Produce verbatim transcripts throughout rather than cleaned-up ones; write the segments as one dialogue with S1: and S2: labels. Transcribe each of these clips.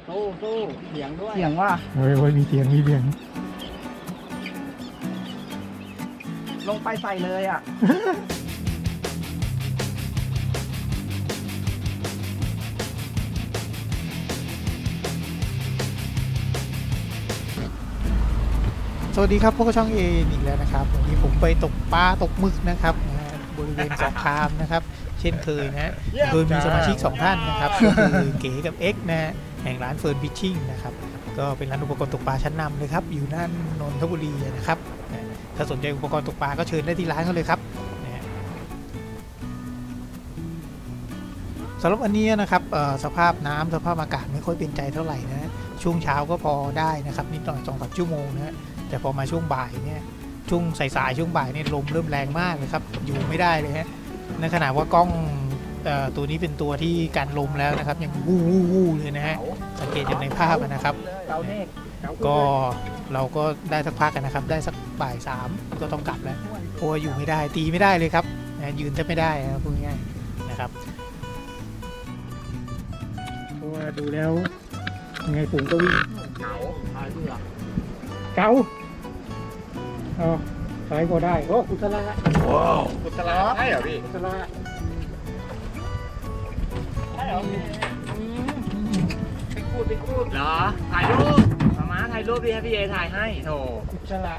S1: สู้สู้เสียงด้วย
S2: เสียงว่า
S3: เฮ้ยเฮ้ยมีเสียงมีเสียง
S2: ลงไปใส่เลยอ่ะ
S3: สวัสดีครับพวกช่องเออีกแล้วนะครับวันนี้ผมไปตกปลาตกหมึกนะครับบริเวณสองคามนะครับเช่นเคยนะโดยมีสมาชิกสองท่านนะครับก็คือเก๋กับเอ็กนะฮะแห่งร้านเฟิร์นฟิชชิ่งนะครับก็เป็นร้านอุปกรณ์ตกปลาชั้นนำเลยครับอยู่น่านนนทบุรีนะครับถ้าสนใจอุปกรณ์ตกปลาก็เชิญได้ที่ร้านเขาเลยครับสำหรับวันนี้นะครับสภาพน้ำสภาพอากาศไม่ค่อยเป็นใจเท่าไหร่นะช่วงเช้าก็พอได้นะครับนิดหน่อยสองสามชั่วโมงนะแต่พอมาช่วงบ่ายเนี่ยช่วงสายๆช่วงบ่ายเนี่ยลมเริ่มแรงมากเลยครับอยู่ไม่ได้เลยฮะในขณะว่ากล้องตัวนี้เป็นตัวที่กันลมแล้วนะครับยังวู้วู้วู้เลยนะฮะสังเกตจากในภาพนะครับก็เราก็ได้สักพักกันนะครับได้สักบ่ายสามก็ต้องกลับแล้วเพราะว่าอยู่ไม่ได้ตีไม่ได้เลยครับนะยืนจะไม่ได้นะพูดง่ายๆนะครับเพราะว่าดูแล้วยังไงผมก็วิ่งเก๋าขายเบื่อเก๋าอ๋อขายก็ได้โอ้กุศลาว้าวกุศลาใช่เหรอพี่กุศลาใช่เหรอไปคูดไปคูดเหรอถ่ายรูปมาม้าถ่ายรูปพี่ให้พี่เอถ่ายให้โถกุศลา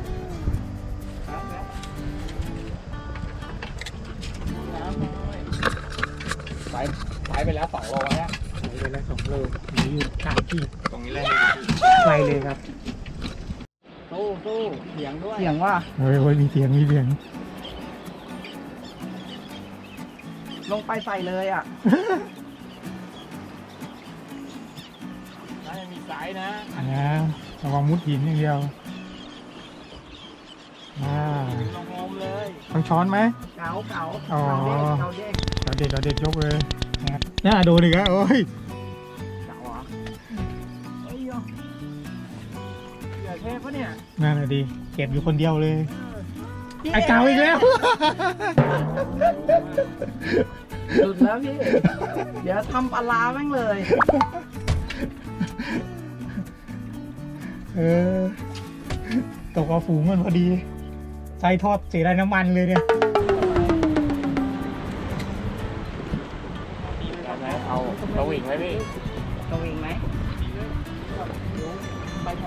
S3: ไปไปไปแล้วสองโลแล้วไปไปแล้วสองโลนี่อยู่กลางที่ตรงนี้เลยไปเลยครับ
S1: สู้สู้เสียงด้วย
S2: เสียงว่า
S3: เฮ้ยเฮ้ยมีเสียงมีเสียง
S2: ลงไปใส่เลยอ่ะ
S1: น่าจะมีสายนะ
S3: นะระวังมุดหินอย่างเดียวอ่า
S1: ลงโฮมเลย
S3: ต้องช้อนไหม
S2: เก๋าเก๋า
S3: อ๋อ
S2: เก๋าเด็ก
S3: เก๋าเด็กเก๋าเด็กยกเลยนะน่าดูดิครับโอ้ย
S2: เก๋าอ่ะเฮ้ยเหลือเทปปะเนี่ย
S3: นั่นแหละดิเก็บอยู่คนเดียวเลยไอ้เก๋าอีกแล้ว
S2: หลุดแล้วพี่เดี๋ยวทำปลาร้าแม่งเลย
S3: เออตกเอาฝูงมันพอดีใส่ทอดเสียได้น้ำมันเลยเนี่ย
S1: เอาสวิงไหมพี่
S2: สวิงไหมไปหมด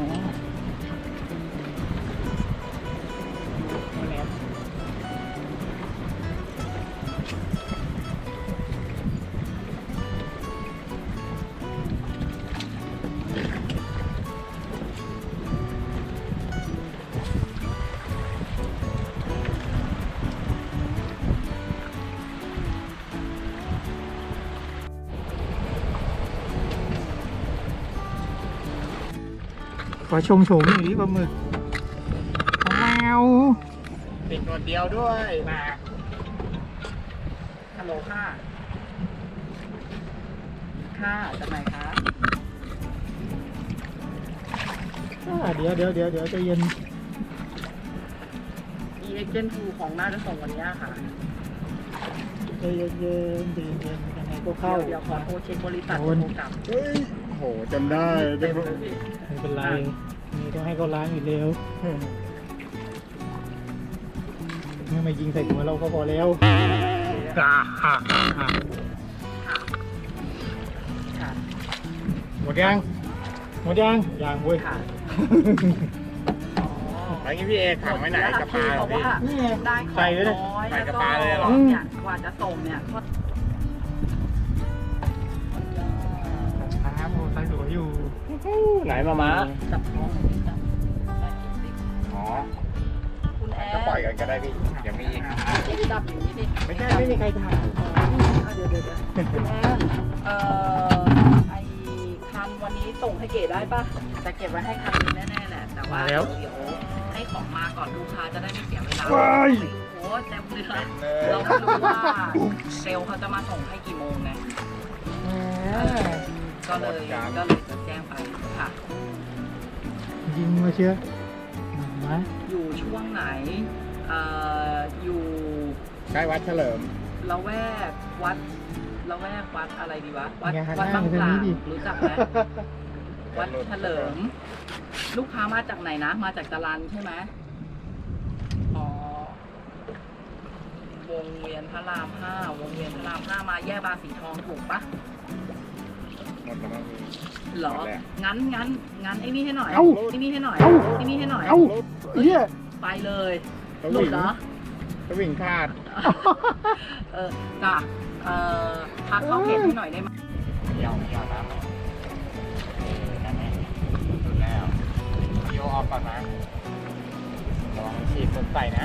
S3: ขอชมโฉมอย่างนี้ปลาหมึกแมว
S1: ติดตัวเดียวด้วยมา
S2: ฮัลโหลค่ะค่ะจากไหนคะ
S3: เดี๋ยวเดี๋ยวเดี๋ยวเดี๋ยวใจเย็น
S2: อีเอ็กเจนทูของน่าจะส่งวันนี้ค่ะ
S3: ใจเย็นเย็นใจเย็นยังไงก็เข้า
S2: เดี๋ยวขอโทรเช็คบริษัทโทรกลับ
S1: เฮ้ยโหจำได้
S3: ไม่เป็นไรนี่ต้องให้เขาล้างอีกเร็วเมื่อไม่ยิงใส่หัวเราก็พอแล้วหมดยังหมดยังยังเว้ย
S1: อะไรงี้พี่เอถังไว้ไหนกระปาเหรอพี่
S2: นี่ได้ของน้อยแล้วก็เนี่ยกว่าจะส่งเนี่ย
S3: ครับโอ้ใส่สวยอยู่
S1: ไหนมาม้าจับน้องอ๋อ
S2: คุณแอร์
S1: ก็ปล่อยกันก็ได้พี่เดี๋ยวมี
S2: จับอย่างนี้ดิ
S3: ไม่ใช่ไม่มีใครถ่าย
S2: เดี๋ยวเดี๋ยวคุณแอร์เอ่อไอคันวันนี้ส่งให้เก๋ได้ปะจะเก็บไว้ให้คันนี้แน่ๆแหละแต่ว่าเดี๋ยวให้ของมาก่อนลูกค้าจะได้ไม่เสียเวลาโอ้เต็มเลยเราไม่รู้ว่าเซลล์เขาจะมาส่งให้กี่โมงไงก็เลยก็เลยจะแจ้งไปค่ะ
S3: ยิงมาเชื่อมา
S2: อยู่ช่วงไหนเอ่ออยู่
S1: ใกล้วัดเฉลิม
S2: ละแวกวัดละแวกวัดอะไรดีวะวัด
S3: อย่าหัน
S2: วัด
S3: หน้า
S2: บาง
S3: ไป
S2: ป
S3: ทาง
S2: ลา
S3: นี้ดิ
S2: รู้จักไหมวัดเฉลิม ลูกค้ามาจากไหนนะ มาจากจรัญใช่ไหมอ๋อวงเวียนพระรามห้าวงเวียนพระรามห้ามาแยกบางสีทองถูกปะ
S1: หมดแล้วมั้งพี่
S2: เหรอ
S1: หมดแล้ว
S2: งั้นงั้นงั้นไอ้นี่ให้หน่อย
S3: เอ้า
S2: ไอ้นี่ให้หน่อย
S3: เอ้า
S2: ไอ้นี่ให้หน่อย
S3: เอ้าเฮีย
S2: ไปเลย
S1: ส
S2: หลุ
S1: วิ
S2: ด
S1: ง
S2: เหรอ
S1: สวิงคาด
S2: เออจ้ะเอ่อพักเข้าเพจให้หน่อยได้ไหม
S1: เดี่ยวเดี่ยวครับเออนั่นเองสุดแล้วโยออกก่อนนะระวังฉีดสดใส่นะ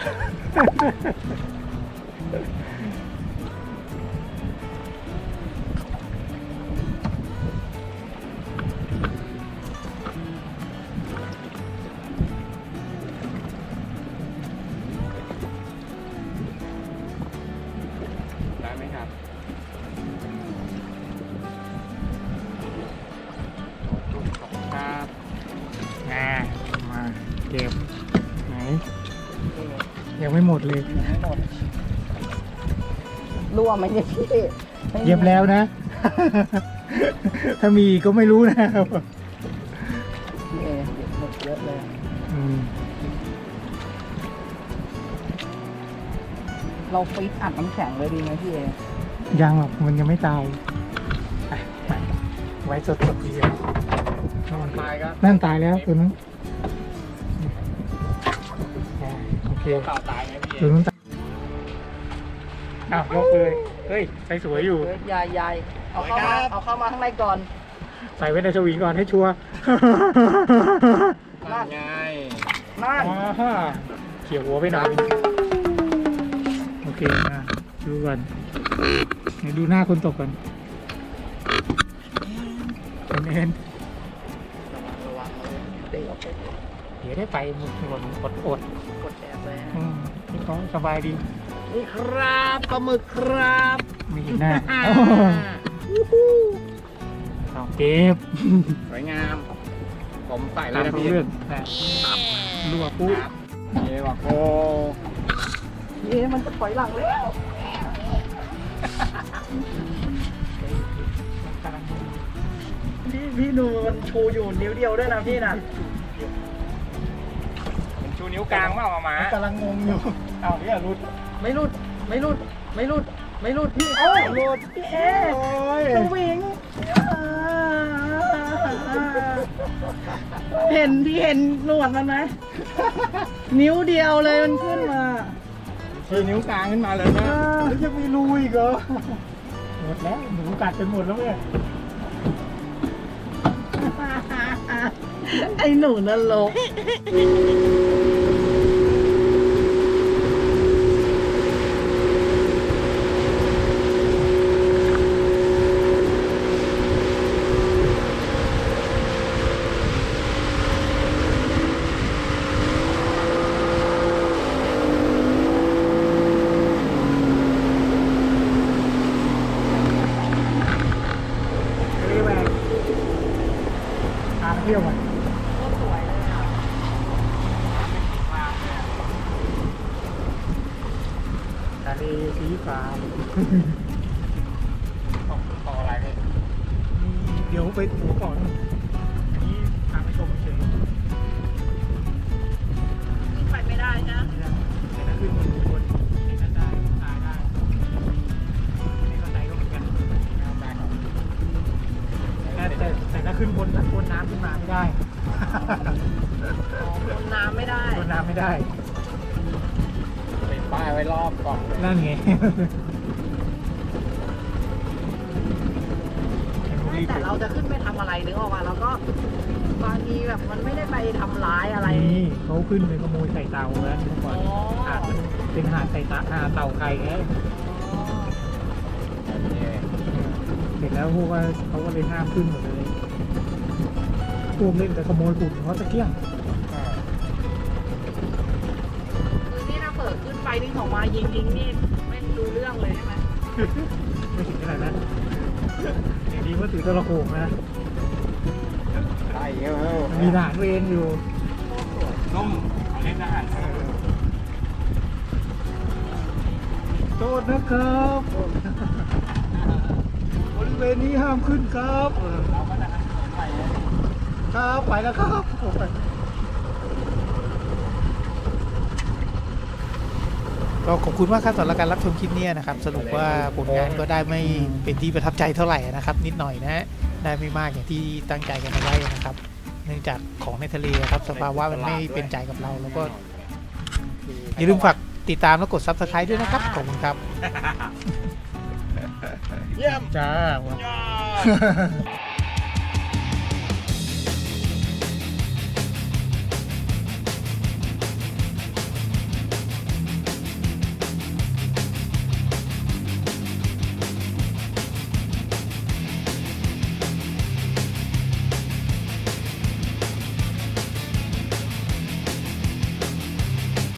S1: ได้ไหมครับขอบคุณครับงามาเก็บไหนยังไม่หมดเลย
S2: ยังไม่หมดรั่วไหมเนี่ยพี่
S3: เย็บแล้วนะ ถ้ามีก็ไม่รู้นะครับ
S2: พี่เอเย็บหมดเยอะเลย
S3: อืม
S2: เราฟิตอัดน้ำแข็งเลยดีไหมพี่เอ
S3: ยังหรอกมันยังไม่ตายอ่ะมาไว้สดๆดีกว่า
S1: ตายก็
S3: นั่นตายแล้วตัวนั้นอ่าโอเค
S1: ต่อตายไหมพี่
S3: ตัวนั้นตายอ้าวยกเลยเฮ้ยใส่สวยอยู่
S2: ยายยายเอาเข้ามาเอาเข้ามาข้างในก่อน
S3: ใส่ไว้ในสวิงก่อนให้ชัวร์
S1: นั่นไง
S2: นั่น
S3: อ่าฮะเขี่ยวหัวไปหน่อยโอเคนะดูก่อนเดี๋ยวดูหน้าคนตกก่อนเป็นเอ็น
S2: ระวังเลยเดี๋ยวเอาไป
S3: เดี๋ยวได้ไปหมดหมดอดอด
S2: กดแอบเลย
S3: อืมพี่เขาสบายดี
S2: นี่ครับปลาหมึกครับ
S3: ไม่เห็นหน้าเอาเก็บ
S1: สวยงาม ผมใส่เล
S3: ตาย ม
S1: นะ
S3: เขา
S1: พี่
S3: เรื่องนะรัวปุ๊บ
S1: เอ๋บอกโอ้
S2: เอ๊ะมันจะถอยหลังแล้ว พี่พี่ดูมันชูอยู่นิ้วเดียวด้วยนะพี่นะ
S1: มันชูนิ้วกลางเปล่ามาหมาก
S3: ำลังงงอยู่เอาเนี่ยรุด
S2: ไม่รุดไม่รุดไม่รุดไม่รุดพี่เอ้ยรุดพี่เอ
S3: โอ้ย
S2: สวิงเห็นพี่เห็นหนวดมันไหมนิ้วเดียวเลยมันขึ้นมา
S1: ชูนิ้วกลางขึ้นมาเลยนะ
S3: แล้วยังมีรูอีกเหรอหมดแล้วหนูกัดจนหมดแล้วเนี่ย
S2: ไอ้หนูนรก
S3: เรียกว่าทางเที่ยวอ่ะ
S2: สวยเลยอ่ะ
S3: ทะเลสีฟ้า
S1: ต่อต่ออะไรพี่
S3: เดี๋ยวไปหัวก่อนอันนี้ทางไปชมเฉย
S2: ไปไม่ได้นะ
S3: แต่ถ้าขึ้นบนบนเห็นนั่นได้ตายได้ในเข้าใจก็เหมือนกัน
S1: เอาได้ครับ
S3: แต่แต่แต่ถ้าขึ้นบนบนน้ำขึ้นมาไม่ได้
S2: ลงน้ำไม่ได้
S3: บนน้ำไม่ได้
S1: ติดป้ายไว้รอบก่อน
S3: นั่นไง
S2: แต่เราจะขึ้นไปทำอะไรนึกออกมาเราก็บางทีแบบมันไม่ได้ไปทำร้ายอะไร
S3: นี่เขาขึ้นไปขโมยไข่เต่าแล้วเมื่อก่อน
S2: อ๋อ
S3: หาดมันเป็นหาดไข่ตาหาดเต่าไข่ไง
S1: แบบนี้
S3: เสร็จแล้วพวกว่าเขาก็เลยห้ามขึ้นหมดเลยพวกเล่นแต่ขโมยปุ่นเขาตะเกียง
S1: อ่า
S2: คือนี่ถ้าเปิดขึ้นไปนี่ของมายิงยิงนี่ไม่รู้เรื่องเลยใช่ไหม
S3: ไม่ถึงขนาดนั้นอย่างนี้ว่าถือตะละโขงนะ
S1: ได้เยอะ
S3: มีทหารเวรอยู่
S1: ต้มเล่นอาหาร
S3: โทษนะครับบริเวณนี้ห้ามขึ้นครับครับไปแล้วครับก็ขอบคุณมากครับสำหรับการรับชมคลิปนี้นะครับสรุปว่าผลงานก็ได้ไม่เป็นที่ประทับใจเท่าไหร่นะครับ นิดหน่อยนะฮะได้ไม่มากอย่างที่ตั้งใจกันเอาไว้นะครับ เนื่องจากของในทะเลครับสภาวะมันไม่เป็นใจกับเราแล้วก็อย่าลืมฝากติดตามและกด ซับสไครบ์ ด้วยนะครับขอบคุณครับ
S1: เยี่ยม
S3: จ้า